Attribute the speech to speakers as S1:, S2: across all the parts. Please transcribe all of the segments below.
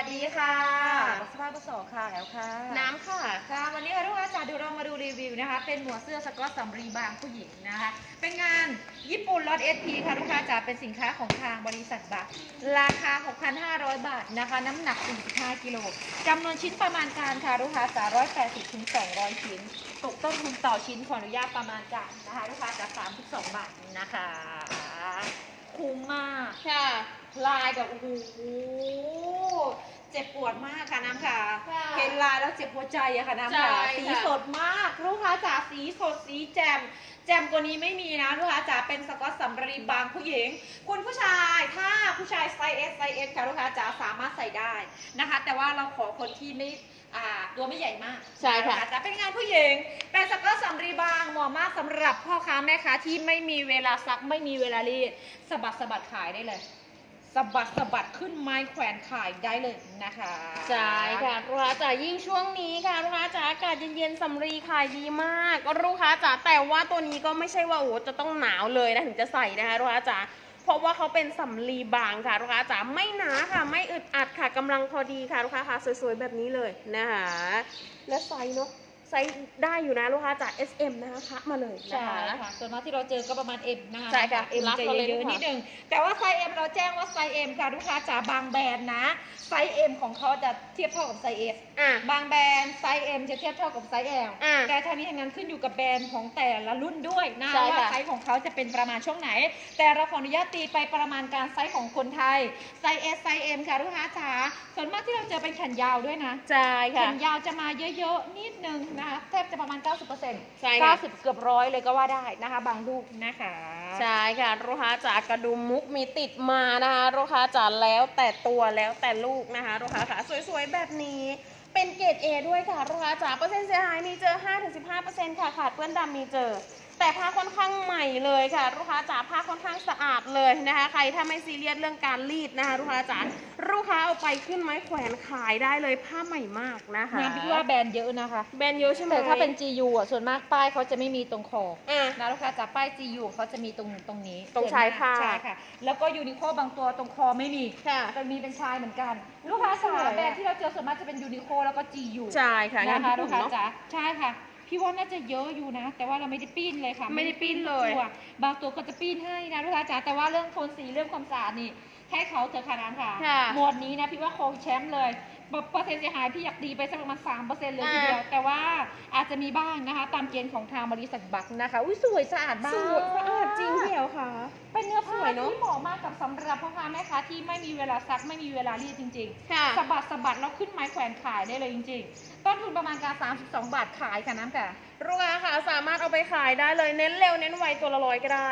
S1: ดีค่ะสภาพประสอบค่ะแอลค่ะ
S2: น้ำค่ะ
S1: ค่ะวันนี้ค่ะทุกท่านดูเรามาดูรีวิวนะคะเป็นหมวดเสื้อสก๊อตสำรีบางผู้หญิงนะคะเป็นงานญี่ปุ่นล็อต SP ค่ะลูกค้าจ๋าเป็นสินค้าของทางบริษัทบัคราคา 6,500 บาทนะคะน้ำหนัก 45 กิโลจำนวนชิ้นประมาณการค่ะลูกค้าจ๋า180 ถึง 200 ชิ้นตกต้นทุนต่อชิ้นขออนุญาตประมาณการนะคะลูกค้าจ๋า32 บาทนะคะคุ้มมาก
S2: ค่ะ
S1: ลายแบบโอ้โหเจ็บปวดมากค่ะน้ำค่ะเห็นลายแล้วเจ็บหัวใจอะค่ะน้ำค่ะสีสดมากลูกค้าจ๋าสีสดสีแจ่มกว่านี้ไม่มีนะลูกค้าจ๋าเป็นสก๊อตสำรีบางผู้หญิงคุณผู้ชายถ้าผู้ชายไซส์ S ค่ะลูกค้าจ๋าสามารถใส่ได้นะคะแต่ว่าเราขอคนที่ไม่ตัวไม่ใหญ่มาก
S2: ใช่ค่ะ
S1: จะเป็นงานผู้หญิงเป็นสก๊อตสำรีบางเหมาะมากสำหรับพ่อค้าแม่ค้าที่ไม่มีเวลาซักไม่มีเวลารีดสะบัดขายได้เลยสะบัดขึ้นไม้แขวนขายได้เลยนะคะ
S2: ใช่ค่ะลูกค้าจ๋ายิ่งช่วงนี้ค่ะลูกค้าจ๋าอากาศเย็นๆสำรีขายดีมากลูกค้าจ๋าแต่ว่าตัวนี้ก็ไม่ใช่ว่าโอ้จะต้องหนาวเลยนะถึงจะใส่นะคะลูกค้าจ๋าเพราะว่าเขาเป็นสำลีบางค่ะลูกค้าจ๋าไม่หนาค่ะไม่อึดอัดค่ะกำลังพอดีค่ะลูกค้าค่ะสวยๆแบบนี้เลยนะคะและไซส์เนาะไซส์ได้อยู่นะลูกค้าจาก SM นะคะมาเลยนะคะ
S1: ใช่ค่ะส่วนมากที่เราเจอก็ประมาณ M นะคะ
S2: ใช่ค่ะ
S1: M จะเยอะๆนิดนึงแต่ว่าไซส์ M เราแจ้งว่าไซส์ M ค่ะลูกค้าจ๋าบางแบรนด์นะไซส์ M ของเขาจะเทียบเท่ากับไซส์ S บางแบรนด์ไซส์ M จะเทียบเท่ากับไซส์ L แต่ทั้งนี้ทั้งนั้นขึ้นอยู่กับแบรนด์ของแต่ละรุ่นด้วยนะว่าไซส์ของเขาจะเป็นประมาณช่วงไหนแต่เราขออนุญาตตีไปประมาณการไซส์ของคนไทยไซส์ S ไซส์ M ค่ะลูกค้าจ๋าส่วนมากที่เราเจอเป็นแขนยาวด้วยนะ
S2: ใช่ค่ะ
S1: แขนยาวจะมาเยอะๆนิดนึงนะคะแทบจะประมาณ 90%
S2: ใช่ค่ะ
S1: 90 เกือบร้อยเลยก็ว่าได้นะคะบางลูกนะคะ
S2: ใช่ค่ะลูกค้าจ๋ากระดุมมุกมีติดมานะคะลูกค้าจ๋าแล้วแต่ตัวแล้วแต่ลูกนะคะลูกค้าค่ะสวยๆแบบนี้เป็นเกรด A ด้วยค่ะลูกค้าจ๋าเปอร์เซ็นต์เสียหายมีเจอ 5-15% ค่ะขาดเปื้อนดำมีเจอแต่ผ้าค่อนข้างใหม่เลยค่ะลูกค้าจ๋าผ้าค่อนข้างสะอาดเลยนะคะใครถ้าไม่ซีเรียสเรื่องการรีดนะคะลูกค้าจ๋าลูกค้าเอาไปขึ้นไม้แขวนขายได้เลยผ้าใหม่มากนะคะ
S1: งานพี่ว่าแบรนด์เยอะนะคะ
S2: แบรนด์เยอะใช่ไหม
S1: แต่ถ้าเป็น GU อ่ะส่วนมากป้ายเขาจะไม่มีตรงคอนะลูกค้าจ๋าป้าย GU เขาจะมีตรงนี้
S2: ตรงชายผ้า
S1: ใช่ค่ะแล้วก็ยูนิโคบางตัวตรงคอไม่มีแต่มีเป็นชายเหมือนกันลูกค้าจ๋าแบรนด์ที่เราเจอส่วนมากจะเป็นยูนิโคแล้วก็ GU
S2: ใช่ค่ะ
S1: นะคะลูกค้าจ๋าใช่ค่ะพี่ว่าน่าจะเยอะอยู่นะแต่ว่าเราไม่ได้ปิ้นเลยค่ะ
S2: ไม่ได้ปิ้นเลย
S1: บางตัวก็จะปิ้นให้นะลูกค้าจ๋าแต่ว่าเรื่องโทนสีเรื่องความสะอาดนี่ให้เขาเถอะค่ะน้ำค่ะหมวดนี้นะพี่ว่าคงแชมป์เลยเปอร์เซ็นต์เสียหายพี่อยากดีไปสักประมาณ 3% เลยทีเดียวแต่ว่าอาจจะมีบ้างนะคะตามเกณฑ์ของทางบริษัทบัคนะคะอุ้ยสวยสะอาดมาก
S2: สวยสะอาดจริงเหี่ยวค่ะ
S1: เป็นเนื้อผ้าที่เหมาะมากกับสำหรับพ่อค้าแม่ค้าที่ไม่มีเวลาซักไม่มีเวลารีดจริงๆสะบัดแล้วขึ้นไม้แขวนขายได้เลยจริงๆต้นทุนประมาณการ32 บาทขายค่ะน้ำค่ะ
S2: ลูกค้าค่ะสามารถเอาไปขายได้เลยเน้นเร็วเน้นไวตัวละ100ก็ได้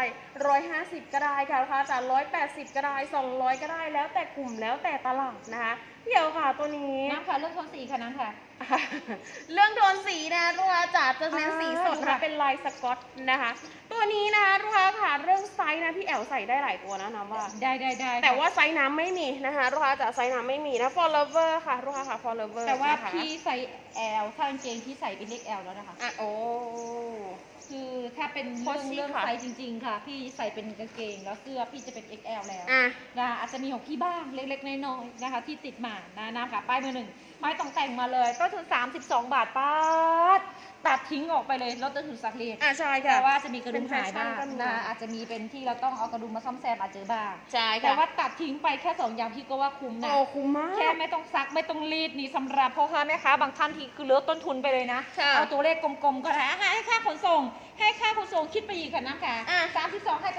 S2: 150ก็ได้ค่ะลูกค้าจาก180ก็ได้200ก็ได้แล้วแต่กลุ่มแล้วแต่ตลาดนะคะเดี๋ยวค่ะตัวนี้
S1: น้ำค่ะเรื่องโทนสีค่ะน้ำค่ะ
S2: เรื่องโทนสีนะลูกค้าจ๋าจะเน้นสีสดนะเป็นลายสก๊อตนะคะตัวนี้นะคะลูกค้าค่ะเรื่องไซส์นะพี่แอลใส่ได้หลายตัวนะน้ำว่า
S1: ได้
S2: แต่ว่าไซส์น้ำไม่มีนะคะลูกค้าจ๋าไซส์น้ำไม่มีนะ for lover ค่ะลูกค้าค่ะ for lover
S1: แต่ว่าพี่ใส่ L ถ้ากางเกงที่ใส่เป็นเล็ก L แล้วนะคะ
S2: โอ้
S1: คือถ้าเป็นเรื่องไซส์จริงๆค่ะพี่ใส่เป็นกางเกงแล้วเสื้อพี่จะเป็น XL แล้วนะอาจจะมีของพี่บ้างเล็กๆน้อยๆนะคะที่ติดมาน้ำค่ะป้ายมือหนึ่งไม่ต้องแต่งมาเลยต้นทุน32 บาทป้าตัดทิ้งออกไปเลยลดต้นทุนสักเรียน
S2: ใช่ค่ะ
S1: แต่ว่าจะมีกระดุมหายบ้างนะอาจจะมีเป็นที่เราต้องเอากระดุมมาซ่อมแซมอาจจะบ้าง
S2: ใช่ค่ะ
S1: แต่ว่าตัดทิ้งไปแค่2 อย่างพี่ก็ว่าคุ้มนะ
S2: คุ้มมาก
S1: แค่ไม่ต้องซักไม่ต้องรีดนี่สำหรับพ่อค้าแม่ค้าบางท่านที่คือเลือกต้นทุนไปเลยนะเอาตัวเลขกลมๆก็ได้ให้ค่าขนส่งคิดไปอีกค่ะน้ำค่ะ32ให้ไป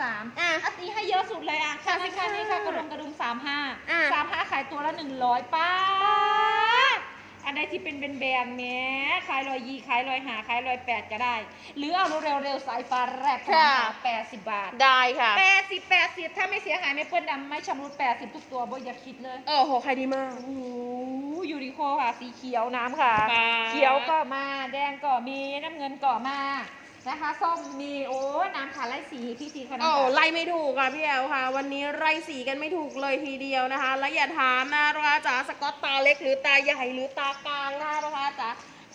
S1: 33ตีให้เยอะสุดเลยค่านี่ค่ะกระดุม35ขายตัวละ100ป้าอันใดที่เป็นแบรนด์แม้ขาย120ขาย150ขาย180ก็ได้หรือเอาเร็วๆสายฟ้าแรกค่ะ80 บาท
S2: ได้ค่ะ
S1: 80ถ้าไม่เสียหายไม่เปื้อนดำไม่ชำรุด80ทุกตัวบ่อย่าคิดเลย
S2: โหขายดีมาก
S1: ยูนิโคค่ะสีเขียวน้ำค่ะเขียวก็มาแดงก็มีน้ำเงินก็มานะคะส้มมีน้ำค่ะไล่สีพี่สีค่ะ
S2: ไล่ไม่ถูกค่ะพี่แอลค่ะวันนี้ไล่สีกันไม่ถูกเลยทีเดียวนะคะและอย่าถามนะลูกค้าจ๋าสก๊อตตาเล็กหรือตาใหญ่หรือตากลางนะลูกค้าจ๋า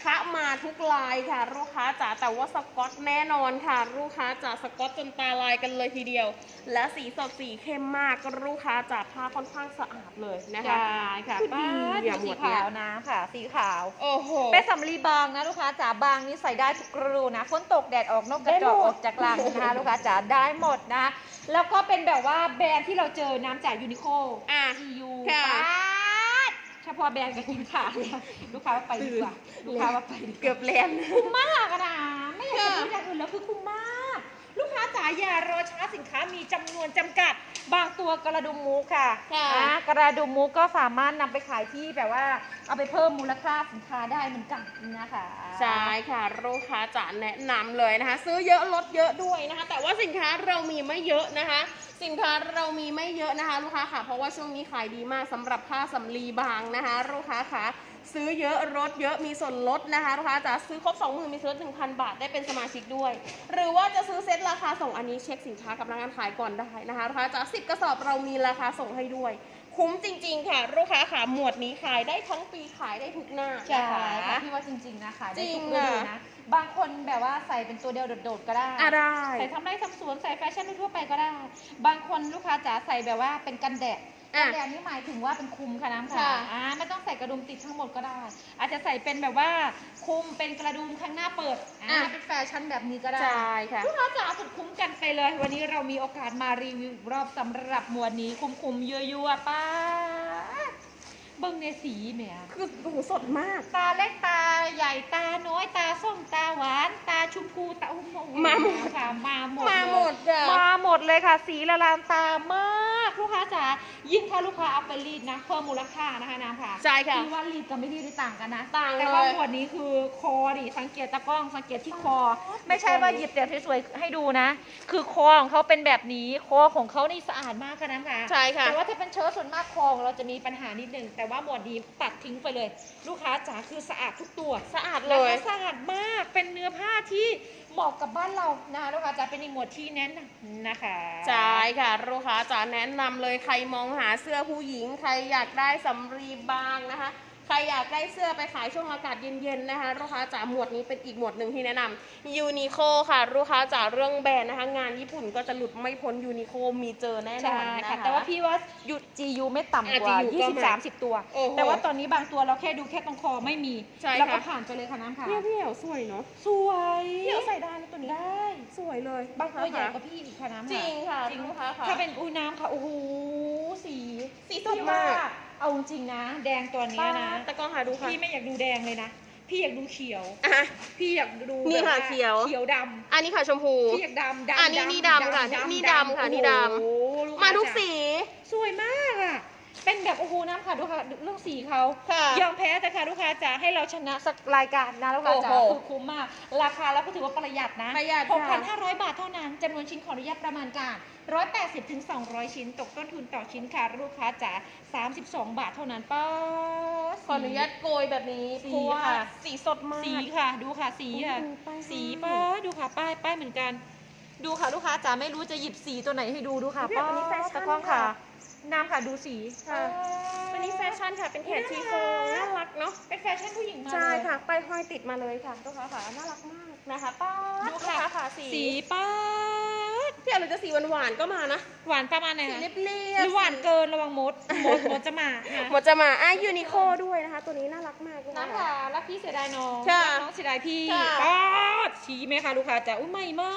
S2: คะมาทุกลายค่ะลูกค้าจ๋าแต่ว่าสก๊อตแน่นอนค่ะลูกค้าจ๋าสก๊อตจนตาลายกันเลยทีเดียวและสีสดสีเข้มมากลูกค้าจ๋าผ้าค่อนข้างสะอาดเลยนะคะ
S1: ใช่ค่ะ
S2: คือดี
S1: ป้า
S2: อะ
S1: ดู
S2: หม
S1: สี
S2: ดเนี้
S1: ขาย วนะค่ะ สีขาว
S2: โอ้โห
S1: เป็นสำลีบางนะลูกค้าจ๋าบางนี่ใส่ได้ทุกฤดูนะฝนตกแดดออกนกกระจอก
S2: ได้หมด
S1: ออกจากรังนะคะลูกค้าจ๋าได้หมดนะ แล้วก็เป็นแบบว่าแบรนด์ที่เราเจอน้ำจากยูนิโค
S2: อ่ะ
S1: GU
S2: ค่ะ
S1: เฉพาะแบรนด์กับกินขาดลูกค้าว่าไปดีกว่าลูกค้าว่าไปดีกว่า
S2: เกือบเล่น
S1: คุ้มมากอะนะไม่อยากจะพูดอย่างอื่นแล้วคือคุ้มมาก ลูกค้าจ๋าอย่ารอช้าสินค้ามีจำนวนจำกัด บางตัวกระดุมมูค่ะ
S2: ค่ะ
S1: กระดุมมูก็สามารถนำไปขายที่แบบว่าเอาไปเพิ่มมูลค่าสินค้าได้เหมือนกันนะคะ
S2: ใช่ค่ะลูกค้าจ๋าแนะนำเลยนะคะ ซื้อเยอะลดเยอะด้วยนะคะ แต่ว่าสินค้าเรามีไม่เยอะนะคะ สินค้าเรามีไม่เยอะนะคะลูกค้าค่ะเพราะว่าช่วงนี้ขายดีมากสำหรับผ้าสำลีบางนะคะลูกค้าค่ะซื้อเยอะลดเยอะมีส่วนลดนะคะลูกค้าจ๋าซื้อครบ 20,000 มีส่วนลด 1,000 บาทได้เป็นสมาชิกด้วย หรือว่าจะซื้อเซ็ตราคาส่งอันนี้เช็คสินค้ากับพนักงานขายก่อนได้นะคะลูกค้าจ๋า10 กระสอบเรามีราคาส่งให้ด้วย คุ้มจริงๆค่ะลูกค้าค่ะหมวดนี้ขายได้ทั้งปีขายได้ทุกหน้า
S1: ใช่
S2: นะคะ
S1: ค่ะพี่ว่าจริงๆนะขายได้
S2: จริ
S1: ทุ
S2: ง
S1: กฤดู
S2: อะ
S1: นะบางคนแบบว่าใส่เป็นตัวเดียวโดดๆก็ได้
S2: ได้
S1: ใส่ทำไร่ทำสวนใส่แฟชั่นทั่วไปก็ได้ บางคนลูกค้าจ๋าใส่แบบว่าเป็นกันแดด
S2: อ่ะ
S1: กันแดดนี่หมายถึงว่าเป็นคลุมค่ะน้ำ
S2: ค่ะ
S1: ค่ะไม่ต้องใส่กระดุมติดทั้งหมดก็ได้ อาจจะใส่เป็นแบบว่าคลุมเป็นกระดุมข้างหน้าเปิดเป็นแฟชั่นแบบนี้ก็ได้
S2: ใช่ค่ะ
S1: ลูกค้าจ๋าสุดคุ้มกันไปเลย วันนี้เรามีโอกาสมารีวิวอีกรอบสำหรับหมวดนี้คุ้มๆยั่วๆป้าเบิ้งในสีแหม
S2: คือดูสดมาก
S1: ตาเล็กตาใหญ่ตาน้อยตาส้มตาหวานตาชมพูตาอุ้ม
S2: มาหมด
S1: ค่ะมาหมด
S2: มาหมด
S1: เลย
S2: อะ
S1: มาหมดเลยค่ะ สีละลานตามากลูกค้าจ๋ายิ่งถ้าลูกค้าเอาไปรีดนะเพิ่มมูลค่านะคะน้ำค่ะ
S2: ใช่ค่ะ
S1: คือว่ารีดกับไม่รีดนี่ต่างกันนะ
S2: ต่าง
S1: แต่ว่า
S2: เลย
S1: หมวดนี้คือคอดิสังเกตตะกล้องสังเกตที่คอ ไม่ใช่ว่าหยิบแต่สวยๆให้ดูนะ คือคอของเขาเป็นแบบนี้คอของเขานี่สะอาดมากค่ะน้ำค่ะ
S2: ใช่ค่ะ
S1: แต่ว่าถ้าเป็นเชิ้ตส่วนมากคอของเราจะมีปัญหานิดนึงแต่ว่าหมวดนี้ตัดทิ้งไปเลย ลูกค้าจ๋าคือสะอาดทุกตัว
S2: สะอาดเล
S1: แล้ว
S2: ย
S1: ก็สะอาดมากเป็นเนื้อผ้าที่เหมาะกับบ้านเรานะคะลูกค้าจ๋าเป็นอีกหมวดที่แนะนำนะคะ
S2: ใช่ค่ะลูกค้าจ๋าแนะนำเลยใครมองหาเสื้อผู้หญิง ใครอยากได้สำลีบางนะคะ ใครอยากได้เสื้อไปขายช่วงอากาศเย็นๆนะคะลูกค้าจ๋าหมวดนี้เป็นอีกหมวดหนึ่งที่แนะนำยูนิโคค่ะลูกค้าจ๋าเรื่องแบรนด์นะคะ งานญี่ปุ่นก็จะหลุดไม่พ้นยูนิโคมีเจอแน่นอ
S1: ใช่
S2: นนะคะ
S1: ค่ะแต่ว่าพี่ว่ายู GU ไม่ต่ำกว่า
S2: GU ก็มา
S1: 20-30 ตัว
S2: โอ้โห
S1: แต่ว่าตอนนี้บางตัวเราแค่ดูแค่ตรงคอไม่มี
S2: ใช่
S1: แล้วก็
S2: ค่ะ
S1: ผ่านไปเลยค่ะน้ำค่ะ
S2: เนี่ยพี่เอ๋วสวยเนาะ
S1: สวย
S2: พี่เอ๋วใส่ได้นะตัวนี้
S1: ได้
S2: สวยเลย
S1: บางตัวใหญ่
S2: ค่ะ
S1: กว่าพี่อีกค่ะน้ำ
S2: จริงค่ะ
S1: จริง
S2: ลูกค้าค่ะ
S1: ถ้าเป็นอุ้ยน้ำค่ะโอ้โหสี
S2: สีสด
S1: พี่
S2: มาก
S1: ว่าเอาจริงๆนะ แดงตัวเนี้ยนะ
S2: ตะกล้องหาดูค่ะ
S1: พี่ไม่อยากดูแดงเลยนะ พี่อยากดูเขียว
S2: อ่ะ
S1: พี่อยากดู
S2: นี่ค่ะ
S1: แบบา
S2: เขียว
S1: เขียวด
S2: อันนี้ค่ะชมพู
S1: ำพี่อยากดำ
S2: อันนี้นี่ดำค่ะนี่ดำค่ะนี่ดำ
S1: โอ้โหลู
S2: มา
S1: ค้
S2: ทุก
S1: จ๋
S2: สี
S1: สวยมากอ่ะ เป็นแบบโอ้โหน้ำค่ะดูค่ะเรื่องสีเขา
S2: ค่ะ
S1: ยอมแพ้แต่ค่ะลูกค้าจ๋าให้เราชนะสักรายการนะลูกค้าจ๋า
S2: โอ้โห
S1: คือคุ้มมาก ราคาเราก็ถือว่าประหยัดนะ
S2: ประหยัดค่ะ
S1: 6,500 บาทเท่านั้นจำนวนชิ้นขออนุญาตประมาณการ180 ถึง 200 ชิ้น ตกต้นทุนต่อชิ้นค่ะลูกค้าจ๋า32 บาทเท่านั้นป้า
S2: ขออนุญาตโกยแบบนี้
S1: สี
S2: เพราะว่า
S1: ค่ะ
S2: สีสดมาก
S1: สีค่ะดูค่ะสีค่ะ
S2: ดูป้าย
S1: สีป้าดูค่ะป้ายเหมือนกัน ดูค่ะลูกค้าจ๋าไม่รู้จะหยิบสีตัวไหนให้ดูค่ะ
S2: เนี่ยอันนี้แฟชั่น
S1: ตะกล้องค่ะ
S2: ค่ะ
S1: น้ำค่ะดูสี
S2: ค่ะ วันนี้แฟชั่นค่ะเป็นแขนชีโฟนน่ารักเนาะ
S1: เป็นแฟชั่นผู้หญิงมา
S2: ใช่
S1: เลย
S2: ค่ะป้ายห้อยติดมาเลยค่ะลูกค้าค่ะน่ารักมากนะคะป้าด
S1: ดู
S2: ลูก
S1: ค่ะ
S2: ค้าค่ะสี
S1: สีป้าด
S2: พี่อะไรจะสีหวานๆก็มานะ
S1: หวานประมาณไหน
S2: สี
S1: คะ
S2: เรียบ
S1: หรือหวานเกินระวังมดจะมานะ
S2: หมดจะมายูนิโคด้วยนะคะ ตัวนี้น่ารักมากลูกค้า
S1: น้ำค่ะรักพี่เสียดายน้อง
S2: ค่ะ
S1: รักน้องเสียดายพี่
S2: ค่ะ
S1: ป้าดชี้ไหมคะลูกค้าจ๋าอุ้ยใหม่มาก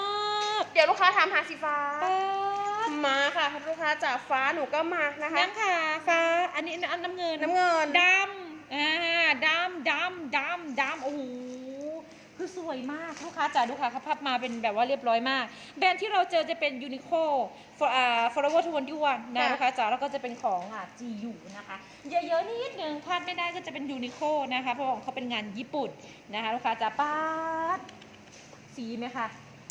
S2: เดี๋ยวลูกค้าถามหาสีฟ้า
S1: ป้าด
S2: มาค่ะลูกค้าจากฟ้าหนูก็มานะคะ
S1: น้ำค่ะฟ้าอันนี้อันน้ำเงิน
S2: น้ำเงิน
S1: ดำดำโอ้โหคือสวยมากลูกค้าจ๋าดูค่ะเขาพับมาเป็นแบบว่าเรียบร้อยมาก แบรนด์ที่เราเจอจะเป็นยูนิโคForever 21นะลูกค้าจ๋าแล้วก็จะเป็นของGU นะคะเยอะๆนิดนึงพลาดไม่ได้ก็จะเป็นยูนิโคนะคะเพราะของเขาเป็นงานญี่ปุ่นนะคะลูกค้าจ๋าป้าดสีไหมคะ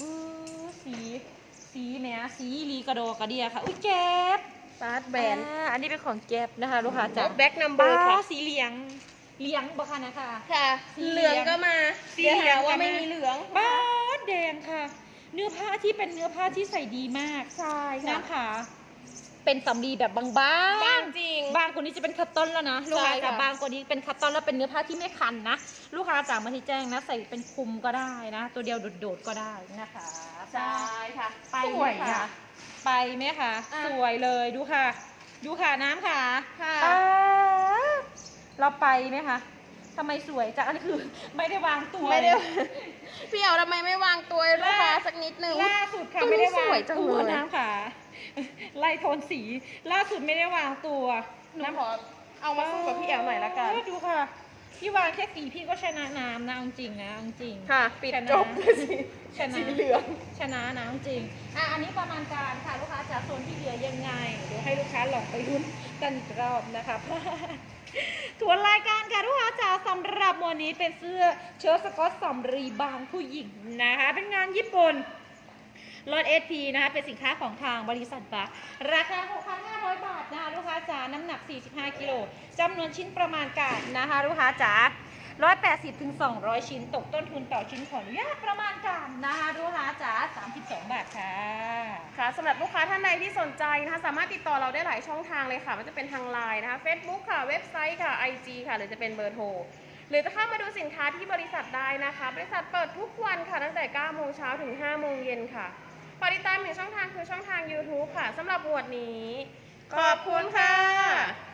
S1: สีแหมสีลีกระโดกระเดียค่ะอุ้ยแก๊บ
S2: ฟาสแบรนด์
S1: อันนี้เป็นของแก๊บนะคะลูกค้าจ๋า
S2: แบ็คนัมเบอร์ค่ะ
S1: สีเหลียงบอกค่ะนะคะ
S2: ค่ะ
S1: สี
S2: เหลืองก็มา
S1: สี
S2: เดี๋ยว
S1: เหลื
S2: หา
S1: อง
S2: ว่า
S1: ก็มา
S2: ไม่มีเหลือง
S1: บ้าดแดงค่ะ เนื้อผ้าที่เป็นเนื้อผ้าที่ใส่ดีมาก
S2: ใช่ค่ะ
S1: น้ำขาเป็นสำลีแบบบาง
S2: บางจริง
S1: บางกว่านี้จะเป็นคัตตอนแล้วนะลูกค้า
S2: ใช่
S1: จ๋า
S2: ค่ะ
S1: บางกว่านี้เป็นคัตตอนแล้วเป็นเนื้อผ้าที่ไม่คันนะลูกค้าจ๋ามาที่แจ้งนะใส่เป็นคลุมก็ได้นะ ตัวเดียวโดดๆก็ได้นะคะ
S2: ใช่ค่ะ
S1: ไป
S2: ส
S1: ไห
S2: ว
S1: ม
S2: ย
S1: คะ
S2: อ่ะ
S1: ไปไหมคะ
S2: อ่ะ
S1: สวยเลยดูค่ะ ดูค่ะน้ำค่ะ
S2: ค่ะ
S1: ป๊าบเราไปไหมคะทำไมสวยจังอันนี้คือไม่ได้วางตัว
S2: ไม่ได้
S1: เลย
S2: พี่เอ๋ทำไมไม่วางตัวให้ลูกค้าสักนิดนึง
S1: ล่าสุดค่ะ
S2: ตัวนี้
S1: ไม่ได้วาง
S2: สวยจัง
S1: ตัว
S2: เลย
S1: น้ำค่ะ ไล่โทนสีล่าสุดไม่ได้วางตัว
S2: หนูขอเอามาสู้กับพี่เอ๋หน่อยละกัน
S1: ดูค่ะพี่วางแค่สีพี่ก็ชนะน้ำนะเอาจริงนะเอาจริง
S2: ค่ะ ปิด
S1: ชนะ
S2: จบเลยสิ
S1: ชนะ
S2: สีเหลือง
S1: ชนะนะจริงอันนี้ประมาณการค่ะลูกค้าจะโซนที่เหลือยังไงเดี๋ยวให้ลูกค้าลองไปรุ่นกันอีกรอบนะคะ ทวนรายการค่ะลูกค้าจ๋าสำหรับวันนี้เป็นเสื้อเชิ้ตสก๊อตสำรีบางผู้หญิงนะคะเป็นงานญี่ปุ่นรถ SP นะคะเป็นสินค้าของทางบริษัทบัคราคา 6,500 บาทนะคะลูกค้าจ๋าน้ำหนัก 45 กิโลจำนวนชิ้นประมาณการนะคะลูกค้าจ๋า180 ถึง 200 ชิ้นตกต้นทุนต่อชิ้นขออนุญาตประมาณการนะคะลูกค้าจ๋า32 บาทค่ะ
S2: ค่ะสำหรับลูกค้าท่านใดที่สนใจนะคะสามารถติดต่อเราได้หลายช่องทางเลยค่ะมันจะเป็นทางไลน์นะคะ Facebook ค่ะเว็บไซต์ค่ะ IG ค่ะหรือจะเป็นเบอร์โทรหรือจะเข้ามาดูสินค้าที่บริษัทได้นะคะบริษัทเปิดทุกวันค่ะตั้งแต่ 9 โมงเช้าถึง 5 โมงเย็นค่ะฝากติดตามหนึ่งช่องทางคือช่องทาง YouTube ค่ะสำหรับหมวดนี้ขอบคุณค่ะ